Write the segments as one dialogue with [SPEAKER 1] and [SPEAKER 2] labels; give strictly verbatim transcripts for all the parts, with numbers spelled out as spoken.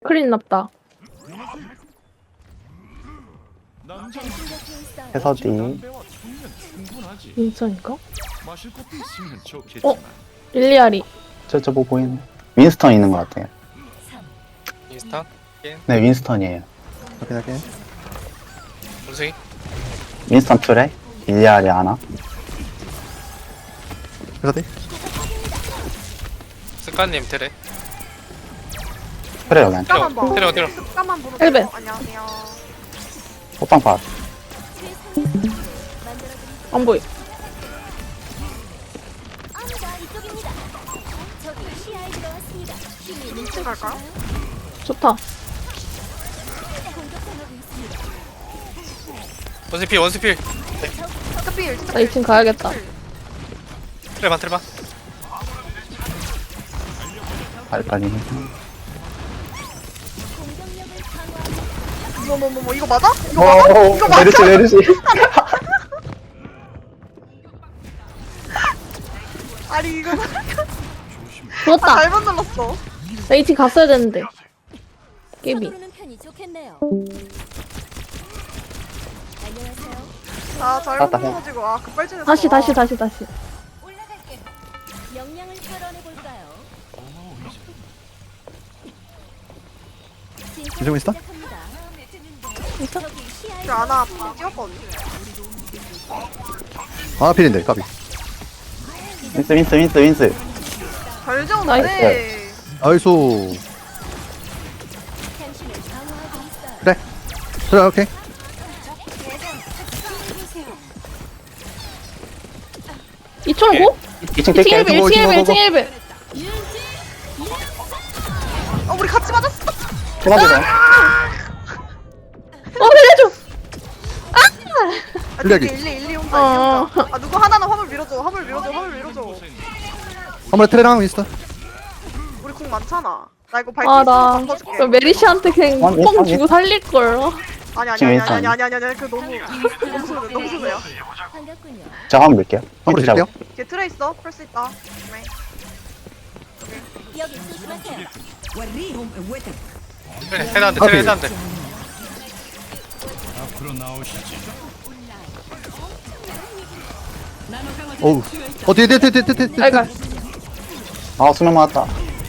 [SPEAKER 1] 클린 났다.
[SPEAKER 2] 해서디.
[SPEAKER 1] 인스턴인가? 어? 릴리아리.
[SPEAKER 2] 저저 뭐 보이네. 윈스턴 있는 것 같아요.
[SPEAKER 3] 인스타?
[SPEAKER 2] 네, 윈스턴이에요.
[SPEAKER 4] 확인 확인.
[SPEAKER 3] 원숭이?
[SPEAKER 2] 윈스턴 트레? 일리아리 아나?
[SPEAKER 4] 그래서
[SPEAKER 3] 스카님 테레
[SPEAKER 2] 트레 여기 안
[SPEAKER 5] 습관만 봐.
[SPEAKER 3] 테레 어디로?
[SPEAKER 5] 습관만 보는
[SPEAKER 1] 헬벤.
[SPEAKER 5] 거. 안녕하세요.
[SPEAKER 2] 호빵 파.
[SPEAKER 1] 안 보이.
[SPEAKER 5] 이층 갈까요?
[SPEAKER 1] 좋다.
[SPEAKER 3] 원스필 원스필
[SPEAKER 5] 스피일.
[SPEAKER 1] 나 이 층 가야겠다.
[SPEAKER 3] 트레반 트레반
[SPEAKER 2] 빨리빨리.
[SPEAKER 5] 뭐뭐뭐 이거 맞아? 이거 맞아?
[SPEAKER 2] 오,
[SPEAKER 5] 이거 맞아?
[SPEAKER 2] 메르시 메르시.
[SPEAKER 5] 아니 이거
[SPEAKER 1] 죽었다.
[SPEAKER 5] 아, 잘못 눌렀어.
[SPEAKER 1] 나 이 층 갔어야 되는데. 깨비.
[SPEAKER 6] 서두르는 편이 좋겠네요. 안녕하세요.
[SPEAKER 5] 아 잘못
[SPEAKER 2] 맞다, 해.
[SPEAKER 5] 눌러가지고 아 급발진했어.
[SPEAKER 1] 다시 다시 다시 다시.
[SPEAKER 6] 올라갈게요. 역량을 탈환해 볼까요?
[SPEAKER 4] 이러고 있어?
[SPEAKER 1] 있어?
[SPEAKER 5] 저 아나 찍었거든.
[SPEAKER 4] 아 필인데 까비.
[SPEAKER 2] 윈스 윈스 윈스 윈스.
[SPEAKER 5] 잘 지웠는데.
[SPEAKER 4] 아이소.
[SPEAKER 6] 당신을 방어하고 있어요.
[SPEAKER 4] 그래. 그래 오케이.
[SPEAKER 1] 이 층 고?
[SPEAKER 2] 이 층
[SPEAKER 1] 이 층
[SPEAKER 2] 깰게.
[SPEAKER 1] 일 배, 일 층 일 배, 일 층 일 배.
[SPEAKER 5] 어 우리 같이 맞았어.
[SPEAKER 2] 도와주세요.
[SPEAKER 1] 어, 살려줘!
[SPEAKER 5] 아,
[SPEAKER 4] 일리하기.
[SPEAKER 5] 일리 일리 온다.
[SPEAKER 1] 어.
[SPEAKER 5] 일리 온다. 아 누구 하나는 화물 밀어줘. 화물 밀어줘. 화물 밀어줘.
[SPEAKER 4] 한번 트레랑 윈스턴.
[SPEAKER 5] 우리 궁 많잖아. 나 이거 발키리
[SPEAKER 1] 아,
[SPEAKER 5] 쓰고
[SPEAKER 1] 나.
[SPEAKER 5] 바꿔줄게.
[SPEAKER 1] 저 메리시한테 그냥
[SPEAKER 2] 아니,
[SPEAKER 1] 뻥
[SPEAKER 2] 아니.
[SPEAKER 1] 주고 살릴걸.
[SPEAKER 5] 아니 아니
[SPEAKER 2] 지금
[SPEAKER 5] 아니
[SPEAKER 2] 윈스턴.
[SPEAKER 5] 아니 아니 아니 아니 그 너무 너무 순해 너무 순해요.
[SPEAKER 6] 반갑군요.
[SPEAKER 2] 저 한번 밀게요.
[SPEAKER 4] 한번
[SPEAKER 2] 윈스
[SPEAKER 4] 드릴게요.
[SPEAKER 2] 잡고.
[SPEAKER 5] 뒤에 트레 있어. 펄스 있다. 네.
[SPEAKER 6] 여기 조심하세요.
[SPEAKER 3] 트레 해나한테 트레 해나한테
[SPEAKER 4] 어우. 어 뒤에 뒤에 뒤에 뒤에 뒤에. 뒤에.
[SPEAKER 1] 아이가.
[SPEAKER 2] 아 수면 맞았다.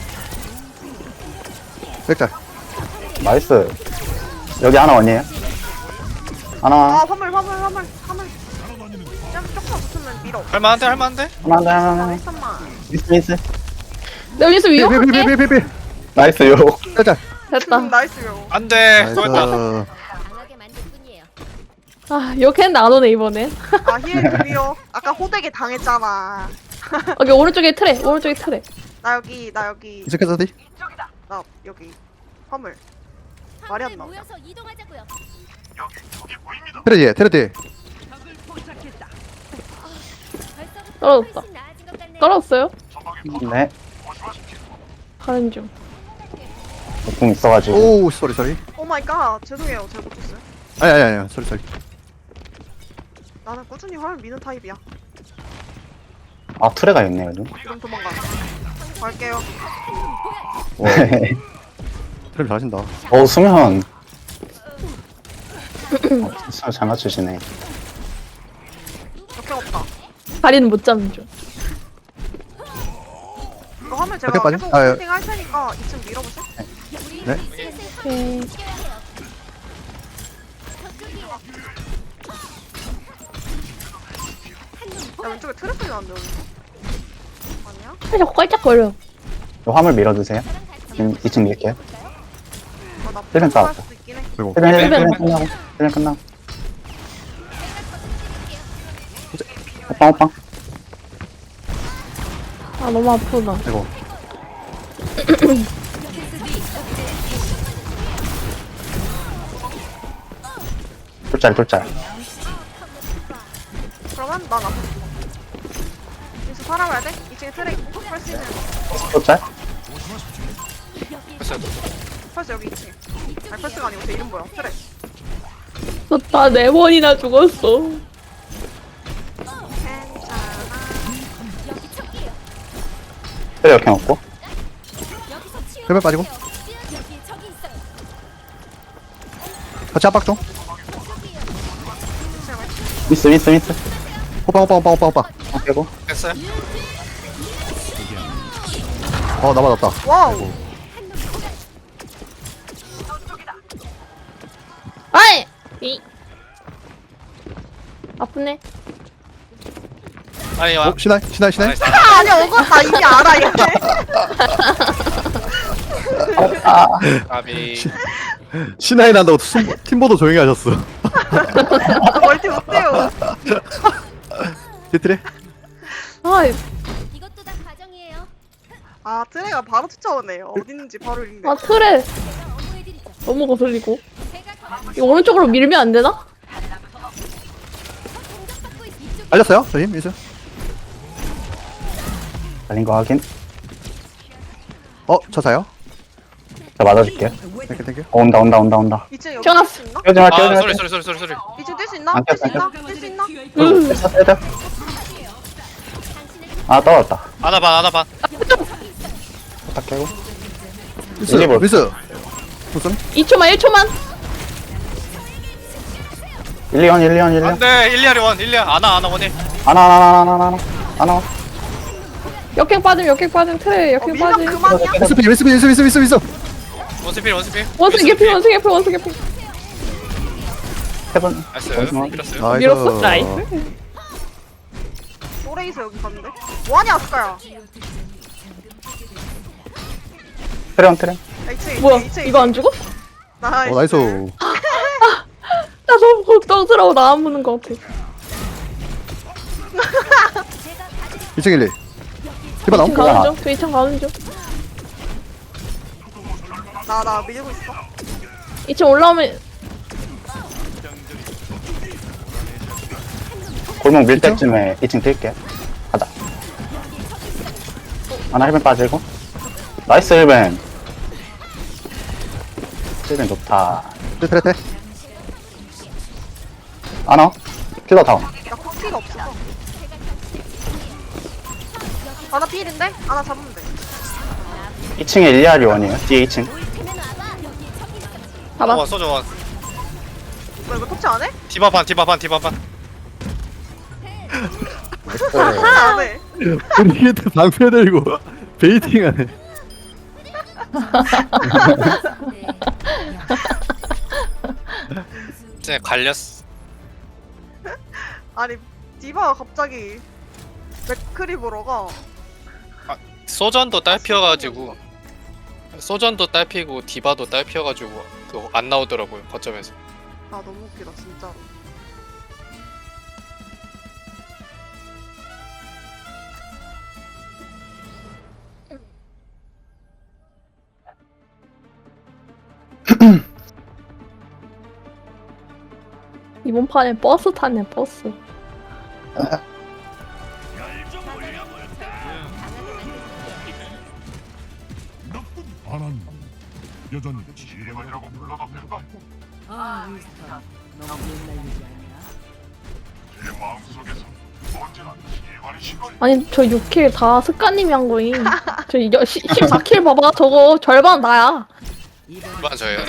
[SPEAKER 4] 백달.
[SPEAKER 2] 나이스. 여기 하나 원이에요.
[SPEAKER 5] 아
[SPEAKER 2] 하나
[SPEAKER 5] 화물 화물 화물 화물. 좀 조금만 붙으면 밀어.
[SPEAKER 3] 할만한데 할만한데?
[SPEAKER 2] 하나 하나 하나 하나.
[SPEAKER 5] 잠깐만.
[SPEAKER 2] 윈스 윈스.
[SPEAKER 1] 내가 여기서 위협할게.
[SPEAKER 4] 필필필필필.
[SPEAKER 2] 나이스요.
[SPEAKER 4] 백달.
[SPEAKER 1] 됐다.
[SPEAKER 5] 음, 나이스요.
[SPEAKER 3] 안돼 또 했다
[SPEAKER 4] 나이스.
[SPEAKER 6] 강하게 만들 뿐이에요.
[SPEAKER 1] 아, 욕했는데 안 오네, 이번엔.
[SPEAKER 5] 아 힐 금이요. 아까 호되게 당했잖아.
[SPEAKER 1] 여기 오른쪽에 트레, 오른쪽에 트레.
[SPEAKER 5] 나 여기 나 여기
[SPEAKER 4] 이쪽에서 디.
[SPEAKER 5] 나 여기 화물. 말이 안
[SPEAKER 6] 함께
[SPEAKER 5] 나오냐.
[SPEAKER 6] 모여서 이동하자고요.
[SPEAKER 4] 트레 뒤에 트레 뒤에.
[SPEAKER 6] 벌써부터
[SPEAKER 1] 떨어졌다.
[SPEAKER 6] 훨씬 나아진 것 같네요.
[SPEAKER 1] 떨어졌어요?
[SPEAKER 2] 네.
[SPEAKER 1] 가는 중.
[SPEAKER 2] 공 있어가지고.
[SPEAKER 4] 오 쏘리 쏘리.
[SPEAKER 5] 오 마이 갓. 죄송해요. 제가 못했어요.
[SPEAKER 4] 아니 아니 아니 쏘리 쏘리.
[SPEAKER 5] 나는 꾸준히 화물 미는 타입이야.
[SPEAKER 2] 아 트레가 있네 요즘.
[SPEAKER 5] 지금 도망가. 갈게요.
[SPEAKER 2] 네.
[SPEAKER 4] 트레 잘하신다.
[SPEAKER 2] 어 수면. 어, 진짜 잘 맞추시네.
[SPEAKER 5] 역행 없다.
[SPEAKER 1] 다리는 못 잡는 중.
[SPEAKER 5] 이거 화물 제가
[SPEAKER 4] 밖에 빠져?
[SPEAKER 5] 계속
[SPEAKER 4] 아, 예.
[SPEAKER 5] 세팅 할 테니까 이 층 밀어보실?
[SPEAKER 4] 네.
[SPEAKER 1] 오케이.
[SPEAKER 5] 야 왼쪽에 트래플이 나는데 여기. 아니야?
[SPEAKER 1] 살짝 껄짝거려.
[SPEAKER 2] 요 화물 밀어주세요. 지금 이 층 밀게요.
[SPEAKER 5] 아나
[SPEAKER 2] 힐벤
[SPEAKER 5] 할
[SPEAKER 2] 싸웠어.
[SPEAKER 5] 수도 있긴 해.
[SPEAKER 4] 그리고
[SPEAKER 2] 힐벤 힐벤
[SPEAKER 1] 힐벤.
[SPEAKER 2] 힐벤 끝나고. 힐벤 끝나고. 오빵 오빵.
[SPEAKER 1] 아, 너무 아프다.
[SPEAKER 4] 이거.
[SPEAKER 2] 돌짜리 돌짜리.
[SPEAKER 5] 그러면 난 앞에 여기서 살아가야 돼? 이 층에 트레 있고 펄스 있는
[SPEAKER 2] 돌짜리?
[SPEAKER 3] 됐어요
[SPEAKER 5] 펄스 여기 이 층에. 아니 펄스가 아니고 제 이름 뭐야? 트레.
[SPEAKER 1] 나 네 번이나 죽었어.
[SPEAKER 5] 괜찮아.
[SPEAKER 2] 트레 역행 없고.
[SPEAKER 6] 여기서 치유.
[SPEAKER 4] 힐벤 빠지고.
[SPEAKER 6] 여기 저기 있어요.
[SPEAKER 4] 같이 압박 좀.
[SPEAKER 2] 미스 미스 미스.
[SPEAKER 4] 호빵 호빵 호빵 호빵 호빵.
[SPEAKER 2] 어, 빼고.
[SPEAKER 3] 됐어요?
[SPEAKER 4] 어나 맞았다.
[SPEAKER 5] 와우.
[SPEAKER 1] 아이! 이. 아프네.
[SPEAKER 3] 아니 와
[SPEAKER 4] 어 신하이 신하이 신하이.
[SPEAKER 3] 나이스.
[SPEAKER 5] 아, 아니야, 오거 나 이미 알아, 얘.
[SPEAKER 3] 아비
[SPEAKER 4] 신하이 난다고 숨- 팀보도 조용히 하셨어.
[SPEAKER 5] 멀티 못해요.
[SPEAKER 4] 뒤틀에.
[SPEAKER 1] 아이,
[SPEAKER 6] 이것도 다 과정이에요.
[SPEAKER 5] 아, 트레가 바로 쫓아오네. 어디 있는지 바로 읽네.
[SPEAKER 1] 아, 틀에
[SPEAKER 6] 어머해드리죠.
[SPEAKER 1] 너무 거슬리고.
[SPEAKER 6] 제가
[SPEAKER 1] 이거 오른쪽으로 밀면 안 되나?
[SPEAKER 6] 공격받고 있 이쪽
[SPEAKER 4] 알렸어요? 저힘 민수.
[SPEAKER 2] 달린 거 확인.
[SPEAKER 4] 어 저사요?
[SPEAKER 2] 자 맞아줄게요.
[SPEAKER 4] 땡큐 땡큐.
[SPEAKER 2] 어, 온다 온다 온다 온다.
[SPEAKER 5] 이층 여기
[SPEAKER 1] 태어났어.
[SPEAKER 5] 뛸 수 있나?
[SPEAKER 2] 뛰어지 마
[SPEAKER 3] 아
[SPEAKER 2] 뛰어지 마.
[SPEAKER 3] 소리 소리 소리 소리 소리
[SPEAKER 5] 이층 뛸 수 있나?
[SPEAKER 2] 안
[SPEAKER 5] 뛸 수
[SPEAKER 2] 깼어,
[SPEAKER 5] 있나?
[SPEAKER 2] 안
[SPEAKER 5] 뛸 수 있나?
[SPEAKER 1] 음.
[SPEAKER 2] 됐어 됐어. 아 떨어졌다.
[SPEAKER 3] 하나 반 하나 반
[SPEAKER 2] 딱 깨고.
[SPEAKER 4] 민수
[SPEAKER 2] 일리볼.
[SPEAKER 4] 민수. 무슨?
[SPEAKER 1] 이 초만, 일 초만.
[SPEAKER 2] 일리원 일리원 일리원.
[SPEAKER 3] 안돼 일리아리 원 일리아 아나 아나 원일
[SPEAKER 2] 하나 하나 하나 하나 하나 하나.
[SPEAKER 1] 역행 빠짐, 역행 빠짐, 틀에
[SPEAKER 5] 어,
[SPEAKER 1] 역행
[SPEAKER 5] 밀면
[SPEAKER 1] 빠짐.
[SPEAKER 5] 그만이야?
[SPEAKER 4] 민수 피 민수 피 민수 민수 민수 민수.
[SPEAKER 3] 원스필 원스필
[SPEAKER 1] 원숭이 개피, 원숭이 개피, 원숭이 개피.
[SPEAKER 2] 세번.
[SPEAKER 3] 나이스
[SPEAKER 2] 원스만.
[SPEAKER 3] 밀었어요
[SPEAKER 4] 나이스.
[SPEAKER 1] 밀었어? 나이스.
[SPEAKER 5] 또레이서 여기 갔는데? 뭐하냐, 아스카야?
[SPEAKER 2] 트레온 트레.
[SPEAKER 5] 야, 이층,
[SPEAKER 1] 뭐야,
[SPEAKER 5] 이층,
[SPEAKER 1] 이거 안 죽어?
[SPEAKER 5] 나이스.
[SPEAKER 4] 어 나이스.
[SPEAKER 1] 나 너무 걱정스러워, 나 안 무는 거 같아.
[SPEAKER 4] 이층 일리. 디바 나옴.
[SPEAKER 1] 이층 가는 중, 저 이층 가는 중.
[SPEAKER 5] 나, 나 밀고 있어.
[SPEAKER 1] 이층 올라오면,
[SPEAKER 2] 골목 밀 때쯤에 이 층 뛸게. 가자. 하나 힐벤 빠지고. 나이스 힐벤. 힐벤 좋다.
[SPEAKER 4] 뒤틀에 테.
[SPEAKER 2] 하나. 킬러 다운.
[SPEAKER 5] 나 코피가 없어서. 아, 나 필인데? 아, 나 잡으면 돼.
[SPEAKER 2] 이 층에 일리아리 원이에요. 뒤에 이 층.
[SPEAKER 1] 봐봐.
[SPEAKER 3] 원 소저 원
[SPEAKER 5] 뭐, 이거 터치 안 해?
[SPEAKER 3] 디바 반 디바 반 디바 반
[SPEAKER 5] 아, 안 해.
[SPEAKER 4] 우리 게트 방패 들고 베이팅하네.
[SPEAKER 3] 이제 갈렸어
[SPEAKER 5] 아니, 디바가 갑자기 맥크리 보러 가.
[SPEAKER 3] 소전도 딸피여가지고 소전도 딸피고 디바도 딸피여가지고 그거 안 나오더라고요 거점에서
[SPEAKER 5] 아, 너무 웃기다, 진짜로.
[SPEAKER 1] 이번 판에 버스 타네, 버스.
[SPEAKER 7] 안한 여전히 지뢰만이라고 불러도 될까?
[SPEAKER 8] 아, 윈스턴. 너무 옛날 얘기 아니야?
[SPEAKER 7] 내 마음속에서 언제나 지뢰만이 시간이
[SPEAKER 1] 아니, 저 육 킬 다 스카님이 한 거임. 저 여- 시- 십사 킬 봐봐. 저거 절반 나야.
[SPEAKER 3] 이반 저예요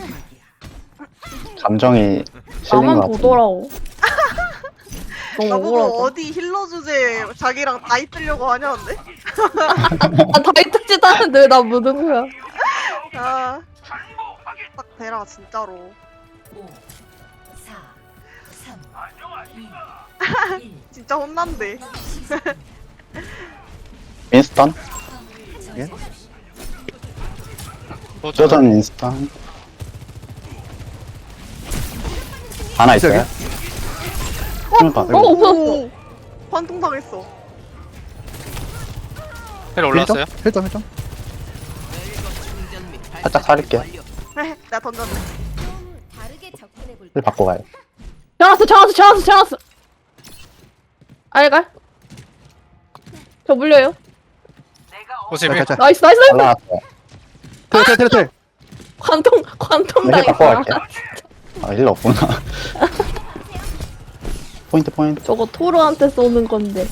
[SPEAKER 2] 감정이 실린
[SPEAKER 1] 나만
[SPEAKER 2] 것 같은데.
[SPEAKER 1] 보더라고. 너무
[SPEAKER 5] 나보고
[SPEAKER 1] 억울하다.
[SPEAKER 5] 어디 힐러 주제 자기랑 다 있으려고 하냐는데?
[SPEAKER 1] 아, 다이 특짓 하는데 왜 나 묻은 거야?
[SPEAKER 5] 아, 딱 대라, 진짜로.
[SPEAKER 8] 오, 사, 삼, 이, 일.
[SPEAKER 5] 진짜 혼난대.
[SPEAKER 2] 윈스턴.
[SPEAKER 3] 소전
[SPEAKER 2] 쪼전 윈스턴. 하나 있어요? 그러니까
[SPEAKER 1] 어,
[SPEAKER 2] 이거
[SPEAKER 1] 없었어.
[SPEAKER 5] 오, 관통당했어.
[SPEAKER 3] 헬 올라왔어요?
[SPEAKER 4] 헬점 헬점.
[SPEAKER 2] 살짝 살릴게요.
[SPEAKER 5] 내가 던졌네.
[SPEAKER 6] 좀 다르게 접근해 볼까?
[SPEAKER 2] 힐 바꿔 가요.
[SPEAKER 1] 전화왔어, 전화왔어, 전화왔어, 전화왔어. 알갈? 저 물려요.
[SPEAKER 3] 원스필
[SPEAKER 4] 자, 자, 자.
[SPEAKER 1] 나이스, 나이스, 나이스.
[SPEAKER 2] 올라왔어요.
[SPEAKER 4] 텔, 텔, 텔, 텔.
[SPEAKER 1] 관통, 관통
[SPEAKER 2] 힐 바꿔
[SPEAKER 1] 당했어.
[SPEAKER 2] 갈게요. 아 힐러 없구나. 포인트 포인트.
[SPEAKER 1] 저거 토르한테 쏘는 건데.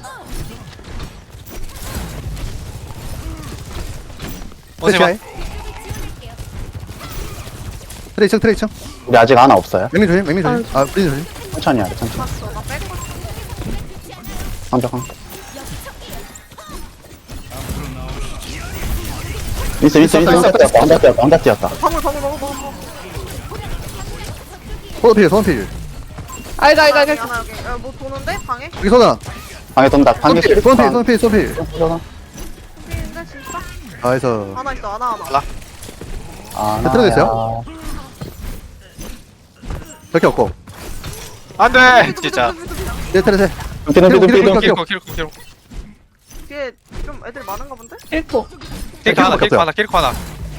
[SPEAKER 3] 원스필
[SPEAKER 4] 패치아이. 트레이 층 트레이 층.
[SPEAKER 2] 우리 아직 하나 없어요.
[SPEAKER 4] 맥민 조심 맥민 조심. 아 브리즈 조심.
[SPEAKER 2] 천천히 하래, 천천히.
[SPEAKER 5] 봤어. 나 뺏고
[SPEAKER 2] 완벽한. 있어, 있어, 있어. 완벽 뛰었다, 완벽 뛰었다, 완벽 뛰었다.
[SPEAKER 5] 방울 방울 방울 방울. 방울.
[SPEAKER 4] 소원 필 소원 필.
[SPEAKER 1] 알가 알가 알가.
[SPEAKER 5] 하나 여기. 야, 뭐 도는데 방에?
[SPEAKER 4] 여기 소나.
[SPEAKER 2] 방에 돈다,
[SPEAKER 4] 소원
[SPEAKER 2] 방에
[SPEAKER 4] 필 소원 필 소원 필 소원 필.
[SPEAKER 5] 근데 진짜?
[SPEAKER 4] 나이스.
[SPEAKER 5] 하나 있어 하나 하나.
[SPEAKER 2] 아,
[SPEAKER 4] 몇 트레 됐어요? 저렇게 없고.
[SPEAKER 3] 안돼 진짜.
[SPEAKER 4] 네 트레 세.
[SPEAKER 2] 눈빛, 눈빛, 눈빛, 눈빛.
[SPEAKER 3] 킬코 킬코 킬코.
[SPEAKER 5] 뒤에 좀 애들 많은가 본데?
[SPEAKER 1] 일코.
[SPEAKER 3] 킬코 하나 킬코
[SPEAKER 4] 킬코
[SPEAKER 3] 하나 킬코 하나.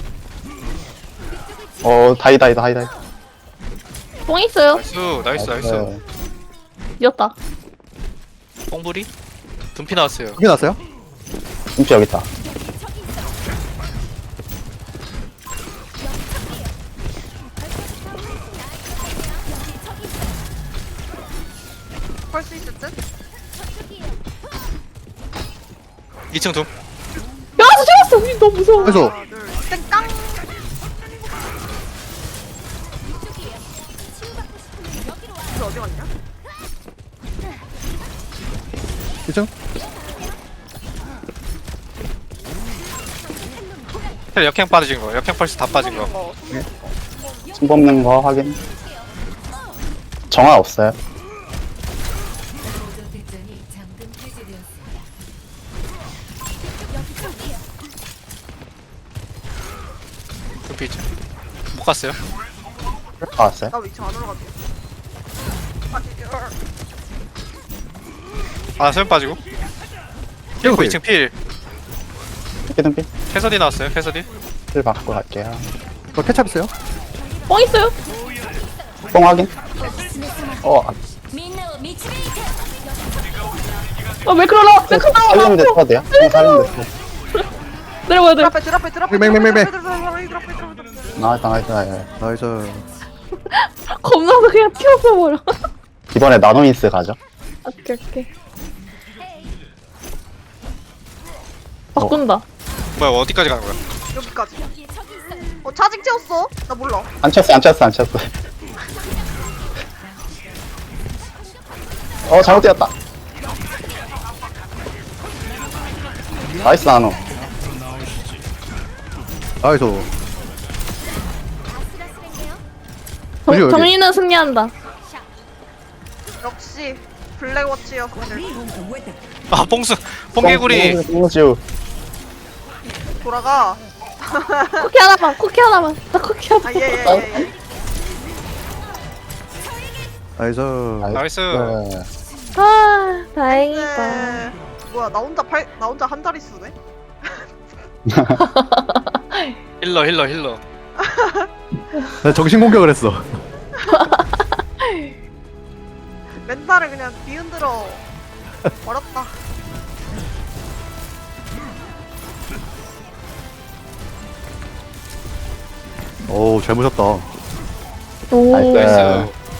[SPEAKER 2] 어, 다이, 다이, 다이, 다이.
[SPEAKER 1] 뽕 있어요.
[SPEAKER 3] 나이스 나이스 나이스.
[SPEAKER 2] 네.
[SPEAKER 1] 이겼다.
[SPEAKER 3] 뽕부리? 둠피 나왔어요.
[SPEAKER 4] 여기 났어요?
[SPEAKER 2] 눈빛 여기 있다.
[SPEAKER 5] 펄 수 있을 듯?
[SPEAKER 3] 이 층 둠.
[SPEAKER 1] 야, 저 죽었어. 이, 너무 무서워.
[SPEAKER 4] 그래서
[SPEAKER 5] 하나 둘 땡깡. 이거 어디 갔냐?
[SPEAKER 4] 이 층.
[SPEAKER 3] 텔 역행 빠진 거. 역행 펄스 다 빠진 거.
[SPEAKER 5] 뭐
[SPEAKER 2] 침 뽑는 거 확인. 정화 없어요.
[SPEAKER 6] 득점이 잠금 해제되었습니다.
[SPEAKER 3] 둠피 있죠. 못 갔어요.
[SPEAKER 2] 다 왔어요.
[SPEAKER 5] 나 위치 안 올라가지. 아 진짜.
[SPEAKER 3] 아 수면 빠지고. 킬코 이 층 필.
[SPEAKER 2] 눈빛, 눈빛.
[SPEAKER 3] 캐서디 나왔어요. 캐서디.
[SPEAKER 2] 힐 받고 갈게요.
[SPEAKER 4] 저 케찹 있어요?
[SPEAKER 1] 뽕 있어요.
[SPEAKER 2] 뽕 확인. 어,
[SPEAKER 1] 아, 왜 그러나? 왜 그러나?
[SPEAKER 2] 살리면 돼, 써도 돼요? 뽕 살리면 돼.
[SPEAKER 1] 내려와야 돼.
[SPEAKER 5] 드랍해 드랍해 드랍해.
[SPEAKER 4] 맹, 맹, 맹, 맹.
[SPEAKER 5] 드랍해 드랍해 드랍해 드랍해.
[SPEAKER 2] 나이스, 나이스, 나이스.
[SPEAKER 4] 나이스.
[SPEAKER 1] 겁나서 그냥 튀어서 버려.
[SPEAKER 2] 이번에 나노인스 가죠.
[SPEAKER 1] 오케이 오케이. 바꾼다.
[SPEAKER 3] 뭐야 어디까지 가는 거야?
[SPEAKER 5] 여기까지. 어 차징 채웠어? 나 몰라.
[SPEAKER 2] 안 쳤어, 안 쳤어, 안 쳤어. 어, 잘못 뛰었다. 나이스, 나노.
[SPEAKER 4] 나이스. 여기, 여기.
[SPEAKER 1] 정, 정리는 승리한다.
[SPEAKER 5] 역시 블랙워치였어.
[SPEAKER 3] 아 뽕수 뽕개구리.
[SPEAKER 2] 뽕주.
[SPEAKER 5] 돌아가.
[SPEAKER 1] 쿠키 하나만. 쿠키 하나만. 나 쿠키 하나.
[SPEAKER 5] 아예예 예. 예.
[SPEAKER 4] 나이스.
[SPEAKER 3] 나이스.
[SPEAKER 1] 아, 다행이다.
[SPEAKER 5] 네. 뭐야 나 혼자 팔 나 혼자 한 자리 쓰네.
[SPEAKER 3] 힐러 힐러 힐러.
[SPEAKER 4] 나 정신 공격을 했어.
[SPEAKER 5] 멘탈을 그냥 뒤흔들어 버렸다.
[SPEAKER 4] 오, 잘 무셨다.
[SPEAKER 1] 오.
[SPEAKER 2] 나이스.
[SPEAKER 3] 나이스.